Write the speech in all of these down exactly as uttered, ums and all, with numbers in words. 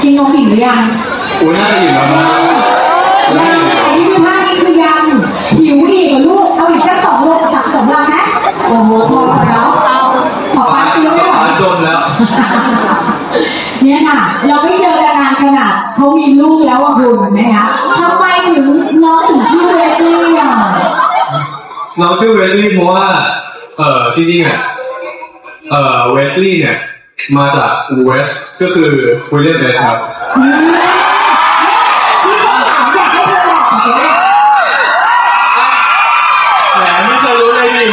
กินนมอิ่มหรือยังโอ้ยน่าจะอิ่มแล้วนะยังนี่คือท่านี้คือยังหิวอีกเหรอลูกเอาอีกสักสองโลสักสองลังไหมโอ้โหพอแล้วเอาขอปลาซื้อไม่ไหวจนแล้วเนี่ยค่ะเราไม่เจอกันนานขนาดเขามีลูกแล้วอ่ะคุณนะคะทำไมถึงน้องถึงชื่อเวสลี่อ่ะเราชื่อเวสลี่เพราะว่าเอ่อที่นี่เนี่ยเอ่อเวสลี่เนี่ยมาจากเวสก็คือวิลเลียมเวสครับที่ฉันถามอยากให้เธอบอกเจ๊แหมไม่เคยรู้เลยดิ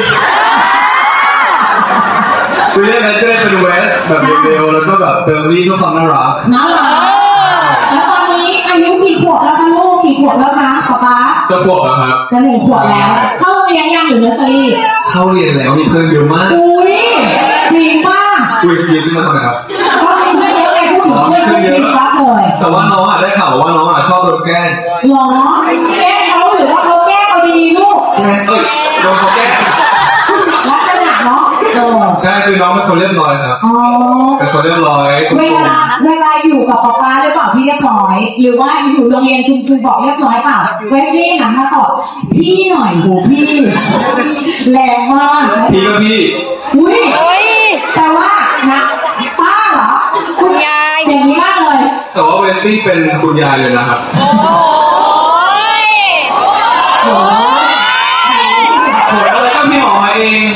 วิลเลียมเวสก็เลยเป็นเวสแบบเร็วๆแล้วก็แบบเบลลี่ก็ความน่ารักน่ารักแล้วตอนนี้อายุกี่ขวบแล้วคะลูกกี่ขวบแล้วคะป๊าป๊าจะขวบแล้วครับจะหนึ่งขวบแล้วเข้าเรียนยังหรือเนอร์เซอรี่เข้าเรียนแล้วมีเพื่อนเยอะมากอุ้ยจริงป่ะคุยคุยขึ้นมาทำไมครับก็มีเพื่อนเยอะไงพูดถึงเพื่อนเยอะเลยแต่ว่าน้องอ่ะได้ข่าวว่าน้องอ่ะชอบโดนแกล้งหรอแกล้งเขาหรือว่าเขาแกล้งเอาดีลูกเอ้ยโดนเขาแกล้งลักษณะเนาะใช่คือน้องเป็นคนเรียบร้อยครับเป็นคนเรียบร้อยเวลาเวลาอยู่กับป๊าป๊าหรือเปล่าที่เรียบร้อยหรือว่าอยู่โรงเรียนคุณครูบอกเรียบร้อยเปล่าเวสลี่หันมาตอบพี่หน่อยโหพี่แรงมากพี่ก็พี่อุ้ยแต่ว่านะป้าเหรอคุณยายอย่างนี้มากเลยแต่ว่าเวสลี่เป็นคุณยายเลยนะครับโอ้ยโอ้ยโหอะไรก็พี่หมอมาเอง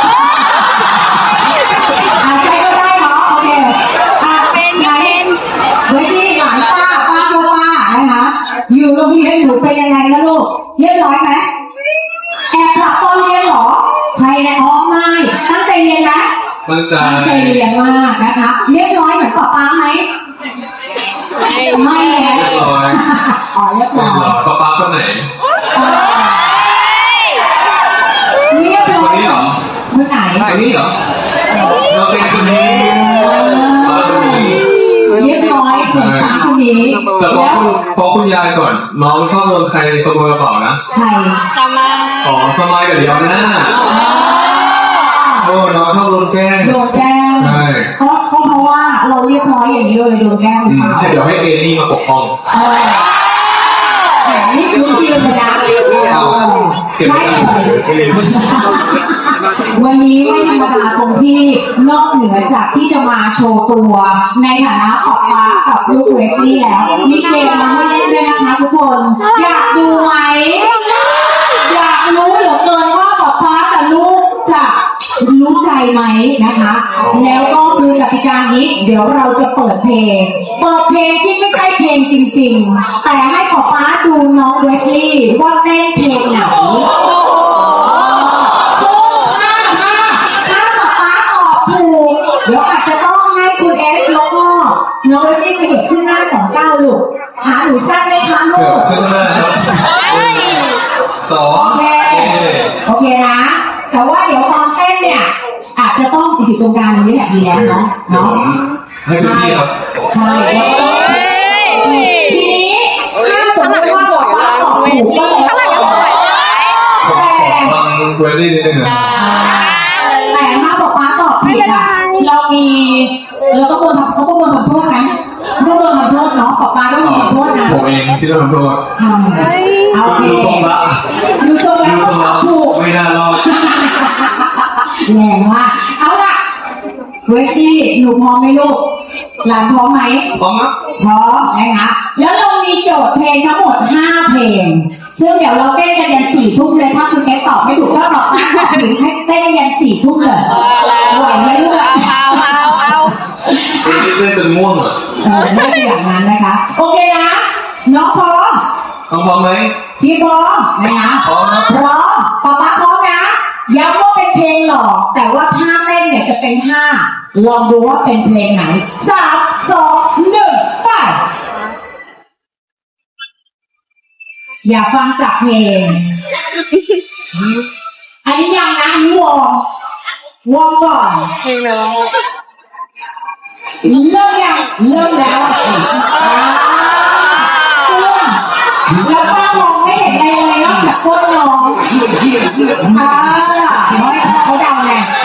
อยู่โรงเรียนหนูเป็นยังไงนะลูกเรียบร้อยไหมแอบหลับตอนเรียนหรอใช่นะอ๋อไม่ตั้งใจเรียนไหมตั้งใจตั้งใจเรียนมากนะคะเรียบร้อยเหมือนป๊าป๊าไหมไม่ไม่เรียบร้อยอ๋อเรียบร้อยป๊าป๊าคนไหนเรียบร้อยคนนี้เหรอคนไหนคนนี้เหรอเราเป็นคนนี้เรียบร้อยเหมือนป้าคนนี้แต่พอคุณพอคุณยายก่อนน้องชอบโดนใครขโมยกระเป๋านะใครสมัยอ๋อสมัยกับเดียวหน้าโอ้น้องชอบโดนแกล้งโดนแกล้งใช่เพราะเพราะว่าเราเรียบร้อยอย่างนี้เลยโดนแกล้งใช่เดี๋ยวให้เอนี่มาปกป้องแต่นี่คือที่เราดังใช่วันนี้ไม่ธรรมดาตรงที่นอกเหนือจากที่จะมาโชว์ตัวในฐานะป๊าป๊ากับลูกเวสลี่แล้วมีเกมมาให้เล่นด้วยนะคะทุกคนอยากดูไหมอยากรู้เหลือเกินว่าป๊าป๊ากับลูกจะรู้ใจไหมนะคะแล้วก็คือกติกานี้เดี๋ยวเราจะเปิดเพลงเปิดเพลงที่ไม่ใช่เพลงจริงๆแต่ให้ป๊าป๊าดูน้องเวสลี่ว่าเต้นเพลงไหนเดี๋ยวอาจจะต้องให้คุณเอสแล้วก็น้องเวสลี่ไปเด็กขึ้นหน้าสองเก้าลูกหาหนูสั้นไหมคะลูกขึ้นหน้าสองโอเคโอเคนะแต่ว่าเดี๋ยวตอนเต้นเนี่ยอาจจะต้องอยู่ตรงกลางนี้แหละดีแล้วเนาะเนาะให้คุณพี่ครับใช่ทีนี้ถ้าสมมติว่าบอกว่าตอบถูกก็แล้วแต่ฟังเวสลี่นิดนึงนะแต่ถ้าบอกว่าตอบผิดอ่ะเรามีเราต้องโดนเขาต้องโดนทำโทษไหมต้องโดนทำโทษเนาะป๊าป๊าต้องโดนทำโทษนะผมเองที่โดนทำโทษใช่โอเคดูทรงละดูทรงแล้วก็ถูกไม่น่ารอดแรงมากเอาล่ะเวสซี่หนูพร้อมไหมลูกหลานพร้อมไหมพร้อมครับพร้อมนะคะแล้วเรามีโจทย์เพลงทั้งหมดห้าเพลงซึ่งเดี๋ยวเราเต้นกันยันสี่ทุ่มเลยถ้าคุณแกตอบไม่ถูกก็ตอบไม่ตอบถึงให้เต้นยันสี่ทุ่มเลยไหวไหมลูกเอาเอาเอาเต้นเต้นจนง่วงอ่ะเออไม่เป็นอย่างนั้นนะคะโอเคนะน้องพร้อมน้องพร้อมไหมพี่พร้อมนะคะพร้อมนะพร้อมป๊าป๊าพร้อมนะย้ำว่าเป็นเพลงหลอกแต่ว่าท่าเต้นเนี่ยจะเป็นท่าลองดูว่าเป็นเพลงไหนสามสองหนึ่งไปอย่าฟังจากเพลงอันนี้ยังนะอันนี้วอร์มวอร์มก่อนเพลงแล้วเริ่มยังเริ่มแล้วซึ่งแล้วก็มองไม่เห็นอะไรเลยนอกจากก้นน้องอ่าไม่ใช่เขาเดาไง